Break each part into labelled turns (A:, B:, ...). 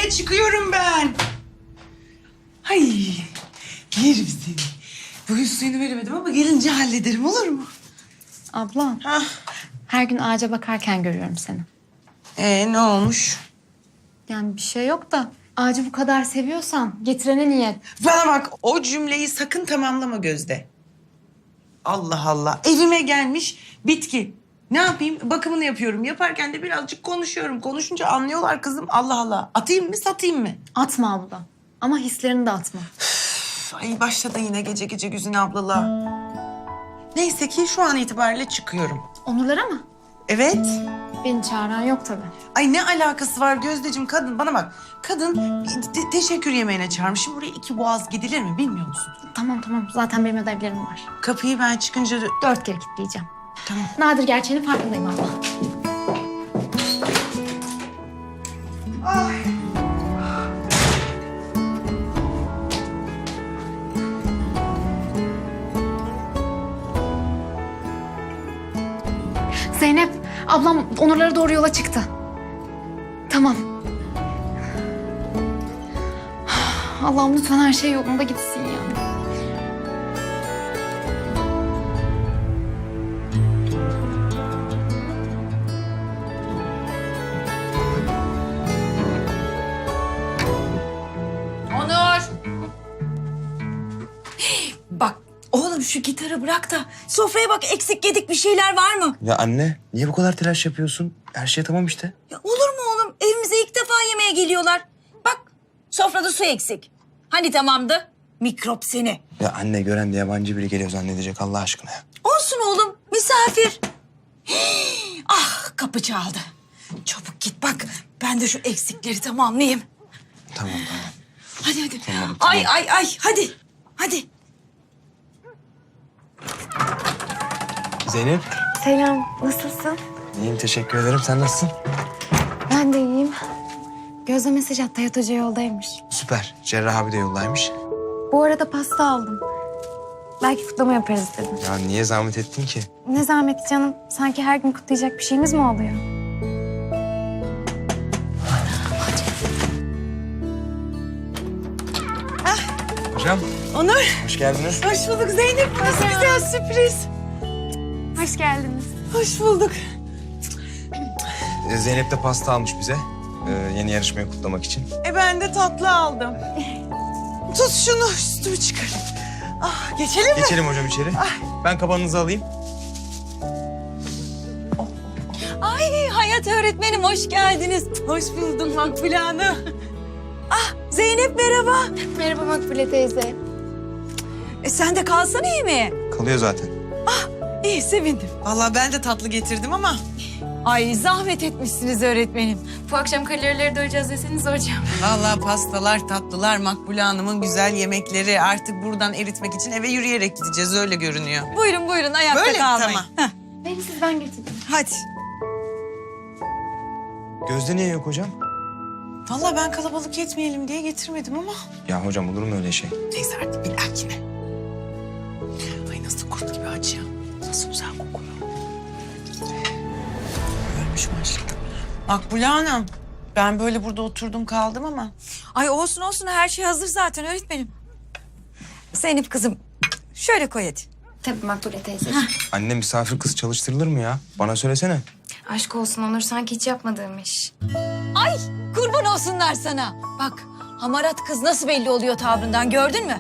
A: itibariyle çıkıyorum ben. Ay, yerim seni. Bugün suyunu veremedim ama gelince hallederim, olur mu?
B: Abla,
A: Hah.
B: her gün ağaca bakarken görüyorum seni.
A: Ne olmuş?
B: Yani bir şey yok da ağacı bu kadar seviyorsan getirene niyet.
A: Bana bak, o cümleyi sakın tamamlama Gözde. Allah Allah, evime gelmiş bitki. Ne yapayım? Bakımını yapıyorum. Yaparken de birazcık konuşuyorum. Konuşunca anlıyorlar kızım. Allah Allah. Atayım mı, satayım mı?
B: Atma abla. Ama hislerini de atma.
A: Ay başladı yine gece gece Güzin ablalar. Neyse ki şu an itibariyle çıkıyorum.
B: Onurlara mı?
A: Evet.
B: Beni çağıran yok tabii.
A: Ay ne alakası var Gözdeciğim, kadın bana bak. Kadın teşekkür yemeğine çağırmış. Şimdi buraya 2 boğaz gidilir mi bilmiyor musun?
B: Tamam. Zaten benim ödevlerim var.
A: Kapıyı ben çıkınca...
B: 4 kere kilitleyeceğim.
A: Tamam.
B: Nadir gerçeğinin farkındayım abla.
A: Ay.
B: Zeynep, ablam Onurlara doğru yola çıktı. Tamam. Allah'ım lütfen her şey yolunda gitsin ya.
C: Onur! Bak oğlum şu gitarı bırak da sofraya bak, eksik yedik bir şeyler var mı?
D: Ya anne, niye bu kadar telaş yapıyorsun? Her şey tamam işte.
C: Ya olur mu oğlum? Evimize ilk defa yemeğe geliyorlar. Bak sofrada su eksik. Hani tamamdı? Mikrop seni.
D: Ya anne, gören de yabancı biri geliyor zannedecek Allah aşkına ya.
C: Olsun oğlum, misafir. Ah, kapı çaldı. Çabuk git bak, ben de şu eksikleri tamamlayayım.
D: Tamam.
C: Hadi.
D: Tamam.
C: Ay hadi.
D: Zeynep.
B: Selam, nasılsın?
D: İyiyim, teşekkür ederim. Sen nasılsın?
B: Ben de iyiyim. Gözde mesaj attı, Hayat Hoca yoldaymış.
D: Süper. Cerrah abi de yoldaymış.
B: Bu arada pasta aldım. Belki kutlama yaparız dedim.
D: Ya niye zahmet ettin ki?
B: Ne zahmeti canım, sanki her gün kutlayacak bir şeyimiz mi oluyor?
D: Hocam,
A: Onur,
D: hoş geldiniz.
A: hoş bulduk Zeynep. Nasıl güzel sürpriz.
B: Hoş geldiniz.
A: Hoş bulduk.
D: Zeynep de pasta almış bize. Yeni yarışmayı kutlamak için.
A: Ben de tatlı aldım. Tut şunu, üstümü çıkarayım. Ah, geçelim mi?
D: Geçelim hocam içeri. Ben kabanınızı alayım.
C: Ay Hayat öğretmenim, hoş geldiniz.
A: Hoş bulduk Makbule Hanım.
C: Zeynep merhaba.
B: Merhaba Makbule teyze.
C: Sen de kalsana yemeğe.
D: Kalıyor zaten.
C: İyi, sevindim.
A: Vallahi ben de tatlı getirdim ama...
C: Ay zahmet etmişsiniz öğretmenim.
B: Bu akşam kalorileri doyacağız deseniz hocam.
A: Vallahi pastalar, tatlılar, Makbule Hanım'ın güzel yemekleri. Artık buradan eritmek için eve yürüyerek gideceğiz, öyle görünüyor.
C: Buyurun ayakta
A: Böyle mi?
C: kalmayın.
A: Tamam.
C: Heh,
B: Beni sizden getirdim.
C: hadi.
D: Gözde niye yok hocam?
A: Vallahi ben kalabalık etmeyelim diye getirmedim ama...
D: Ya hocam, olur mu öyle şey?
A: Neyse artık bir dahakine. Ay nasıl kurt gibi aç ya. Nasıl güzel kokuyor. Ölmüş maşallah. Makbule Hanım, ben böyle burada oturdum kaldım ama...
C: Ay olsun, her şey hazır zaten öğretmenim. Zeynep kızım şöyle koy hadi.
B: Tabii Makbule teyze.
D: Anne, misafir kız çalıştırılır mı ya? Bana söylesene.
B: Aşk olsun Onur, sanki hiç yapmadığım iş.
C: Ay kurban olsunlar sana. Bak hamarat kız nasıl belli oluyor tavrından, gördün mü?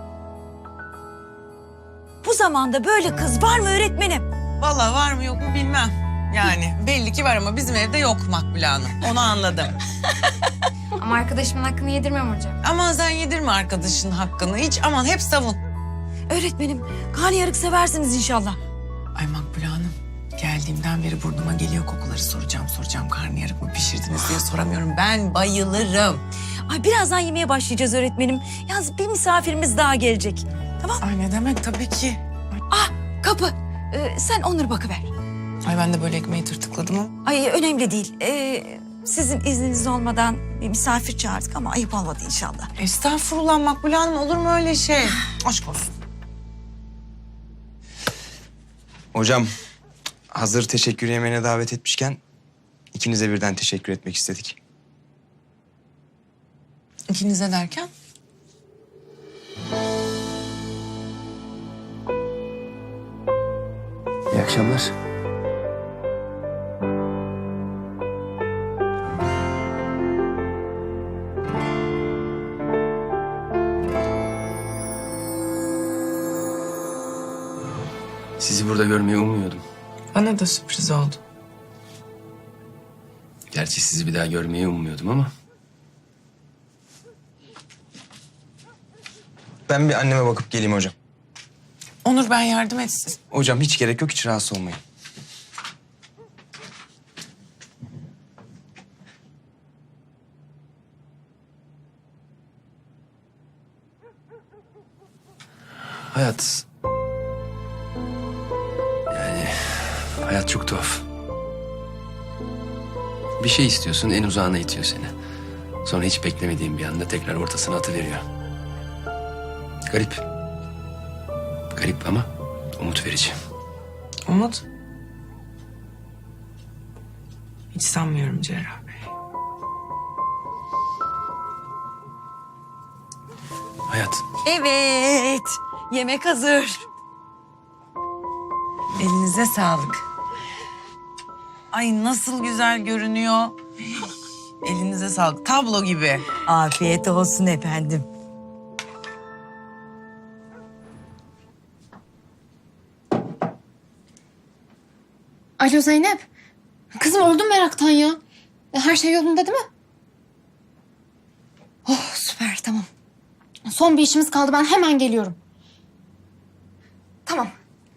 C: Bu zamanda böyle kız var mı öğretmenim?
A: Vallahi var mı yok mu bilmem. Yani belli ki var ama bizim evde yok Makbule Hanım. Onu anladım.
B: Ama arkadaşımın hakkını yedirmem hocam.
A: Aman sen yedirme arkadaşın hakkını. Hiç aman hep savun.
C: Öğretmenim karnıyarık seversiniz inşallah.
A: Ay Makbule Hanım, geldiğimden beri burnuma geliyor kokuları. Soracağım karnıyarık mı pişirdiniz diye soramıyorum. Ben bayılırım.
C: Ay birazdan yemeğe başlayacağız öğretmenim. Yalnız bir misafirimiz daha gelecek. Tamam.
A: Ay ne demek, tabii ki.
C: Kapı. Sen Onur bakıver.
A: Ay ben de böyle ekmeği tırtıkladım ama.
C: Ay önemli değil. Sizin izniniz olmadan bir misafir çağırdık ama ayıp olmadı inşallah.
A: Estağfurullah Makbule Hanım, olur mu öyle şey? Aşk olsun.
D: Hocam, hazır teşekkür yemeğine davet etmişken... ikinize birden teşekkür etmek istedik.
A: İkinize derken?
E: İyi akşamlar. Sizi burada görmeyi ummuyordum.
A: Bana da sürpriz oldu.
E: Gerçi sizi bir daha görmeyi ummuyordum ama...
D: Ben bir anneme bakıp geleyim hocam.
A: Onur ben yardım etsin.
D: Hocam hiç gerek yok, hiç rahatsız olmayın.
E: Hayat... Yani... Hayat çok tuhaf. Bir şey istiyorsun, en uzağına itiyor seni. Sonra hiç beklemediğin bir anda tekrar ortasına atıveriyor. Garip. Garip ama umut verici.
A: Umut. Hiç sanmıyorum Cerrah Bey.
E: Hayat.
C: Evet. Yemek hazır.
A: Elinize sağlık. Ay nasıl güzel görünüyor. Elinize sağlık. Tablo gibi.
C: Afiyet olsun efendim.
B: Alo Zeynep. Kızım öldüm meraktan ya. Her şey yolunda değil mi? Oh süper tamam. Son bir işimiz kaldı ben hemen geliyorum. Tamam.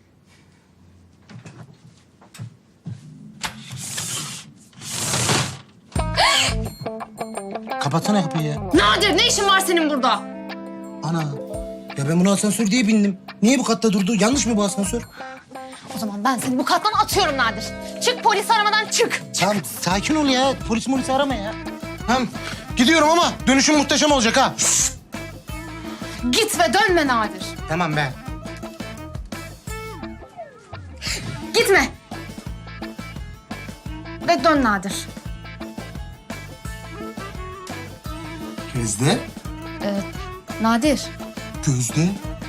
F: Kapatsana kapıyı ya.
B: Nadir ne işin var senin burada?
F: Ana. Ya ben bunu asansör diye bindim. Niye bu katta durdu? Yanlış mı bu asansör?
B: O zaman ben seni bu kattan atıyorum Nadir. Çık polis aramadan çık.
F: Tamam sakin ol ya. Polis arama ya. Tamam gidiyorum ama dönüşüm muhteşem olacak ha.
B: Git ve dönme Nadir.
F: Tamam be.
B: Gitme. Ve dön Nadir.
F: Gözde.
B: Nadir.
F: Gözde.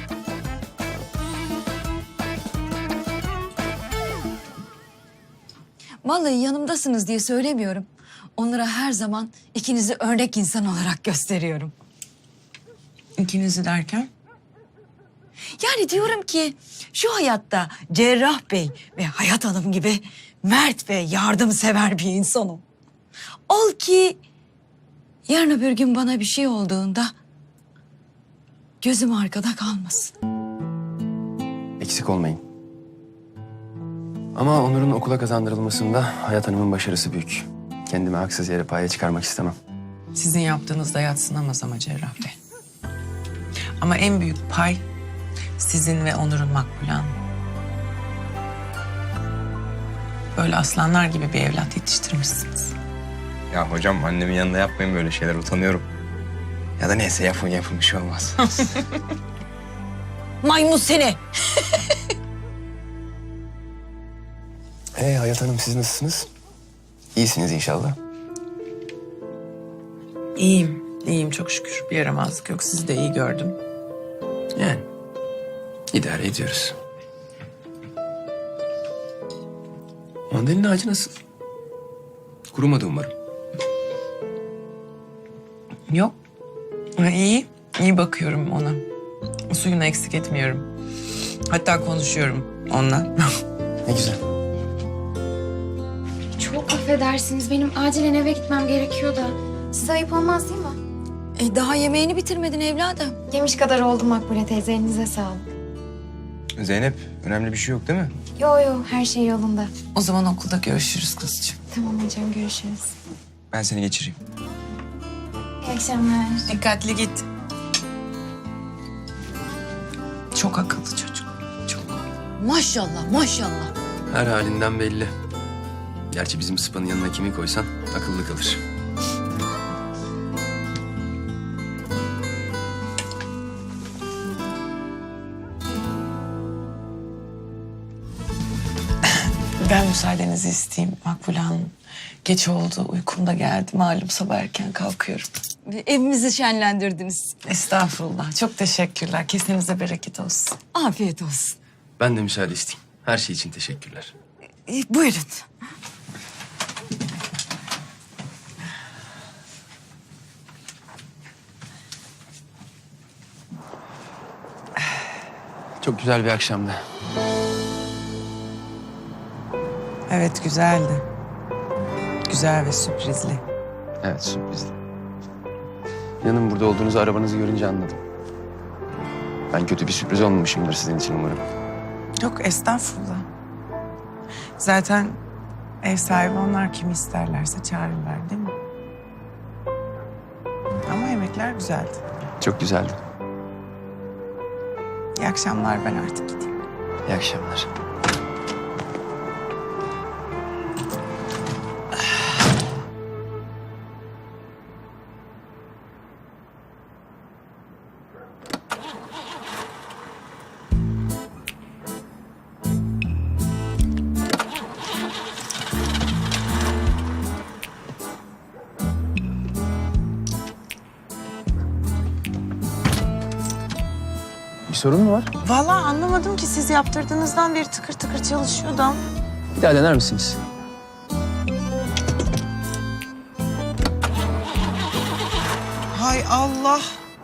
C: Vallahi yanımdasınız diye söylemiyorum. Onlara her zaman ikinizi örnek insan olarak gösteriyorum.
A: İkinizi derken?
C: Yani diyorum ki şu hayatta Cerrah Bey ve Hayat Hanım gibi mert ve yardımsever bir insanım. Ol ki yarın öbür gün bana bir şey olduğunda gözüm arkada kalmasın.
E: Eksik olmayın. Ama Onur'un okula kazandırılmasında Hayat Hanım'ın başarısı büyük. Kendimi haksız yere paya çıkarmak istemem.
A: Sizin yaptığınızda yadsınamaz ama Cerrah Bey. Ama en büyük pay sizin ve Onur'un Makbule Hanım. Böyle aslanlar gibi bir evlat yetiştirmişsiniz.
D: Ya hocam annemin yanında yapmayın böyle şeyler, utanıyorum. Ya da neyse yapın bir şey olmaz.
C: Maymun seni.
E: Hayat Hanım siz nasılsınız? İyisiniz inşallah.
A: İyiyim çok şükür. Bir yaramazlık yok. Sizi de iyi gördüm.
E: Yani idare ediyoruz. Mandalina ağacı nasıl? Kurumadı umarım.
A: Yok. İyi bakıyorum ona. Suyunu eksik etmiyorum. Hatta konuşuyorum onunla.
E: Ne güzel.
B: Çok affedersiniz. Benim acilen eve gitmem gerekiyor da. Size ayıp olmaz değil mi?
C: Daha yemeğini bitirmedin evladım.
B: Yemiş kadar oldu Makbule teyze. Elinize sağlık.
D: Zeynep, önemli bir şey yok değil mi?
B: Yo her şey yolunda.
A: O zaman okulda görüşürüz kızcığım.
B: Tamam hocam görüşürüz.
D: Ben seni geçireyim.
B: İyi akşamlar.
A: Dikkatli git. Çok akıllı çocuk. Çok.
C: Maşallah maşallah.
E: Her halinden belli. Gerçi bizim Sıpa'nın yanına kimi koysan akıllı kalır.
A: Ben müsaadenizi isteyeyim Makbule Hanım. Geç oldu. Uykum da geldi. Malum sabah erken kalkıyorum.
C: Evimizi şenlendirdiniz.
A: Estağfurullah. Çok teşekkürler. Kesinize bereket olsun.
C: Afiyet olsun.
E: Ben de müsaade isteyeyim. Her şey için teşekkürler.
C: Buyurun.
E: Çok güzel bir akşamdı.
A: Evet, güzeldi. Güzel ve sürprizli.
E: Evet, sürprizdi. İnanın burada olduğunuzu arabanızı görünce anladım. Ben kötü bir sürpriz olmamışımdır sizin için umarım.
A: Yok, estağfurullah. Zaten ev sahibi onlar, kimi isterlerse çağırırlar değil mi? Ama yemekler güzeldi.
E: Çok güzeldi.
A: İyi akşamlar, ben artık gideyim.
E: İyi akşamlar. Bir sorun mu var?
A: Vallahi anlamadım ki, siz yaptırdığınızdan beri tıkır tıkır çalışıyordu ama.
E: Bir daha dener misiniz?
A: Hay Allah.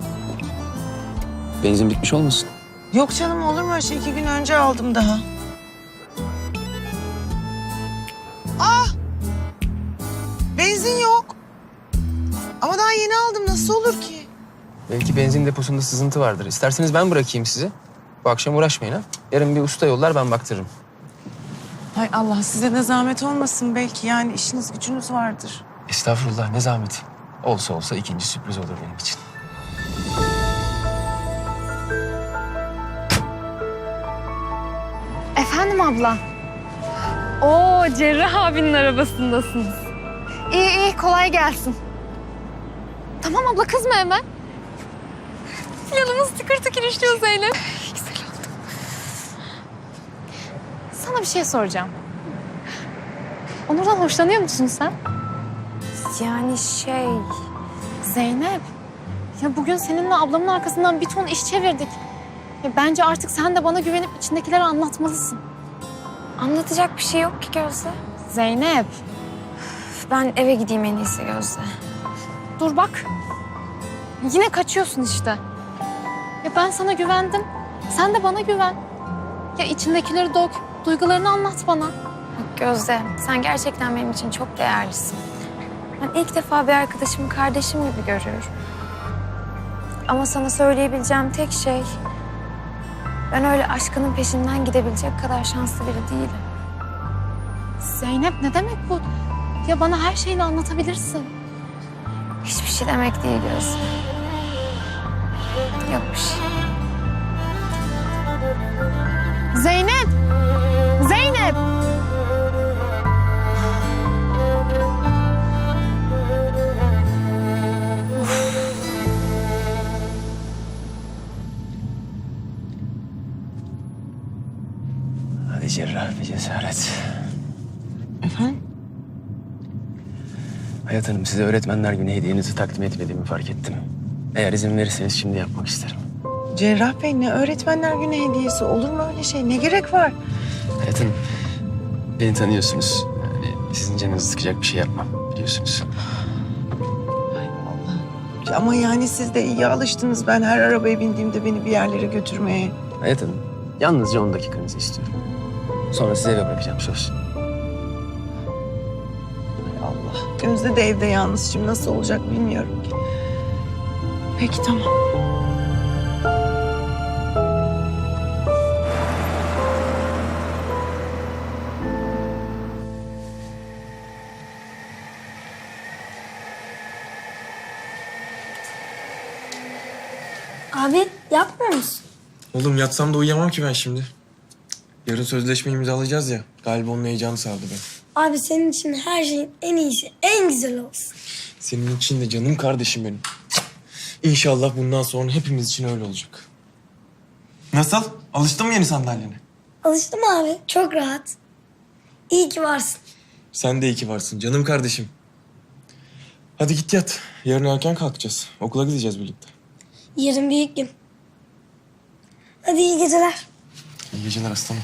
E: Benzin bitmiş olmasın?
A: Yok canım, olur mu öyle şey? 2 gün önce aldım daha. Benzin yok. Ama daha yeni aldım. Nasıl olur ki?
E: Belki benzin deposunda sızıntı vardır. İsterseniz ben bırakayım sizi. Bu akşam uğraşmayın ha. Yarın bir usta yollar, ben baktırırım.
A: Hay Allah, size de zahmet olmasın belki. Yani işiniz gücünüz vardır.
E: Estağfurullah, ne zahmeti. Olsa olsa ikinci sürpriz olur benim için.
B: Efendim abla. Oo, Cerrah abinin arabasındasınız. İyi iyi, kolay gelsin. Tamam abla, kızma hemen. Yanımız tıkır tıkır işliyor Zeynep. Güzel oldu. Sana bir şey soracağım. Onur'dan hoşlanıyor musun sen?
G: Yani
B: Zeynep, ya bugün seninle ablamın arkasından bir ton iş çevirdik. Ya bence artık sen de bana güvenip içindekileri anlatmalısın.
G: anlatacak bir şey yok ki Gözde.
B: Zeynep,
G: Ben eve gideyim en iyisi Gözde.
B: dur bak. Yine kaçıyorsun işte. Ya ben sana güvendim. Sen de bana güven. Ya içindekileri dök, duygularını anlat bana.
G: Gözde, sen gerçekten benim için çok değerlisin. Ben ilk defa bir arkadaşımı kardeşim gibi görüyorum. Ama sana söyleyebileceğim tek şey... ben öyle aşkının peşinden gidebilecek kadar şanslı biri değilim.
B: Zeynep, ne demek bu? Ya bana her şeyini anlatabilirsin.
G: Hiçbir şey demek değil Gözde. Yok bir şey.
B: Zeynep! Zeynep!
E: Hadi cerrah bir cesaret.
A: Efendim?
E: Hayat Hanım, size Öğretmenler Günü hediyenizi takdim etmediğimi fark ettim. Eğer izin verirseniz şimdi yapmak isterim.
A: Cerrah Bey, ne öğretmenler günü hediyesi? Olur mu öyle şey? Ne gerek var?
E: Hayat Hanım, beni tanıyorsunuz. Yani sizin canınızı sıkacak bir şey yapmam, biliyorsunuz.
A: Ama yani siz de iyi alıştınız. Ben her arabaya bindiğimde beni bir yerlere götürmeye.
E: Hayat Hanım, yalnızca 10 dakikanızı istiyorum. Sonra sizi eve bırakacağım, söz.
A: Allah. Gözde de evde yalnız. Şimdi nasıl olacak bilmiyorum ki. Peki, tamam.
H: Abi yapmıyor musun?
I: Oğlum yatsam da uyuyamam ki ben şimdi. Yarın sözleşme imzalayacağız ya. Galiba onun heyecanı sardı beni.
H: Abi senin için her şeyin en iyisi, en güzel olsun.
I: Senin için de canım kardeşim benim. İnşallah bundan sonra hepimiz için öyle olacak. Nasıl? Alıştın mı yeni sandalyene?
H: Alıştım abi, çok rahat. İyi ki varsın.
I: Sen de iyi ki varsın canım kardeşim. Hadi git yat. Yarın erken kalkacağız. Okula gideceğiz birlikte.
H: Yarın büyük gün. Hadi iyi geceler.
I: İyi geceler aslanım.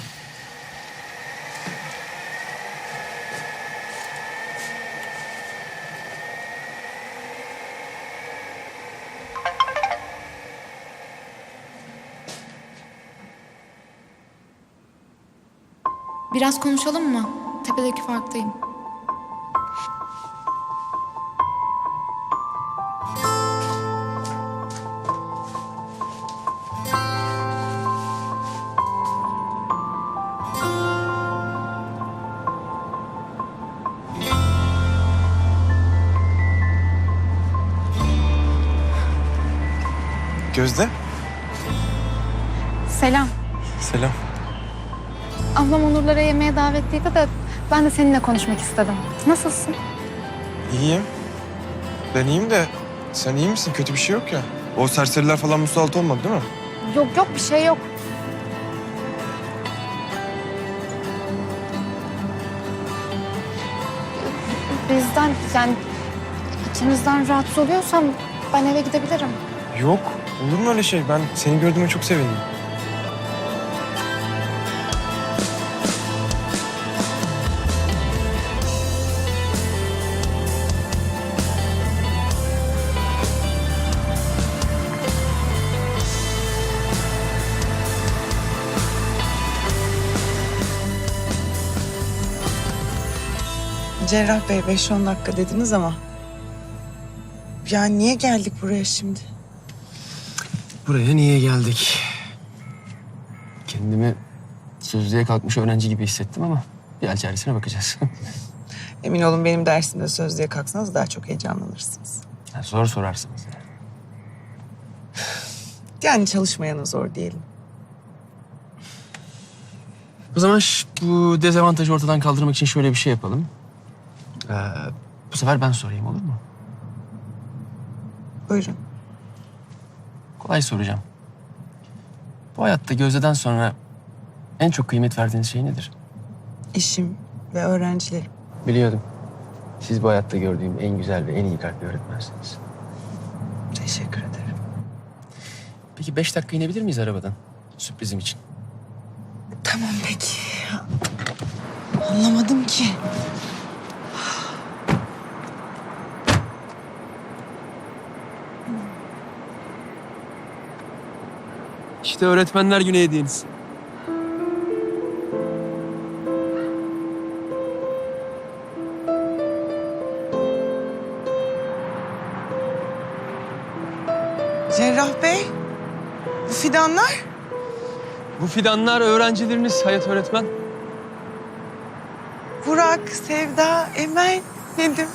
B: Biraz konuşalım mı? Tepedeki farktayım.
I: Gözde.
B: Selam.
I: Selam.
B: Ablam Onurlara yemeğe davetliydi de ben de seninle konuşmak istedim. Nasılsın?
I: İyiyim. Ben iyiyim de sen iyi misin? Kötü bir şey yok ya. O serseriler falan musallat olmadı değil mi?
B: Yok bir şey yok. Bizden yani ikimizden rahatsız oluyorsam ben eve gidebilirim.
I: Yok. Olur mu öyle şey? Ben seni gördüğüme çok sevindim.
A: Cerrah Bey 5-10 dakika dediniz ama... Yani niye geldik buraya şimdi?
E: Buraya niye geldik? Kendimi sözlüğe kalkmış öğrenci gibi hissettim ama bir hal çaresine bakacağız.
A: Emin olun benim dersimde sözlüğe kalksanız daha çok heyecanlanırsınız.
E: Zor sorarsınız.
A: Yani çalışmayana zor diyelim.
E: O zaman bu dezavantajı ortadan kaldırmak için şöyle bir şey yapalım. Bu sefer ben sorayım, olur mu?
A: Buyurun.
E: Kolay soracağım. Bu hayatta Gözde'den sonra en çok kıymet verdiğiniz şey nedir?
A: İşim ve öğrencilerim.
E: Biliyordum. Siz bu hayatta gördüğüm en güzel ve en iyi kalpli öğretmensiniz.
A: Teşekkür ederim.
E: Peki 5 dakika inebilir miyiz arabadan? Sürprizim için.
A: Tamam peki. Anlamadım ki.
E: İşte öğretmenler günü hediyeniz.
A: Cerrah Bey, bu fidanlar?
E: Bu fidanlar öğrencileriniz Hayat öğretmen.
A: Burak, Sevda, Emel, Nedim.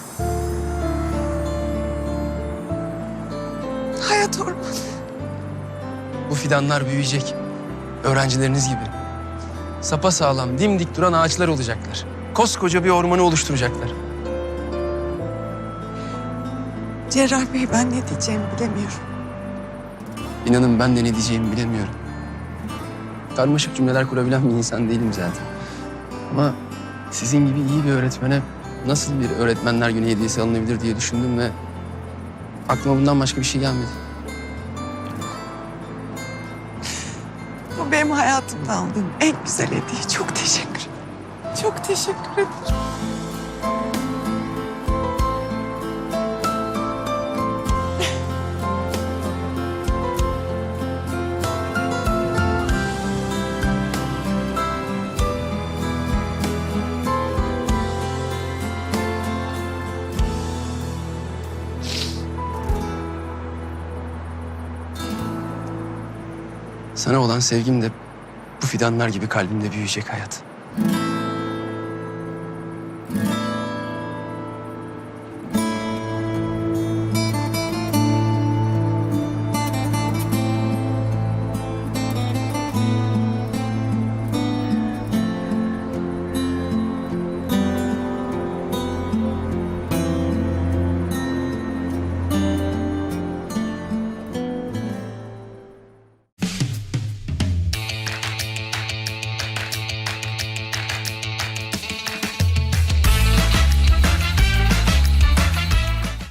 A: Hayat ormanı.
E: Bu fidanlar büyüyecek. Öğrencileriniz gibi. Sapasağlam, dimdik duran ağaçlar olacaklar. Koskoca bir ormanı oluşturacaklar.
A: Cerrah Bey ben ne diyeceğimi bilemiyorum.
E: İnanın ben de ne diyeceğimi bilemiyorum. Karmaşık cümleler kurabilen bir insan değilim zaten. Ama sizin gibi iyi bir öğretmene nasıl bir öğretmenler günü hediyesi alınabilir diye düşündüm ve aklıma bundan başka bir şey gelmedi.
A: Bu benim hayatımda aldığım en güzel hediye. Çok teşekkür ederim. Çok teşekkür ederim.
E: Sana olan sevgim de bu fidanlar gibi kalbimde büyüyecek Hayat.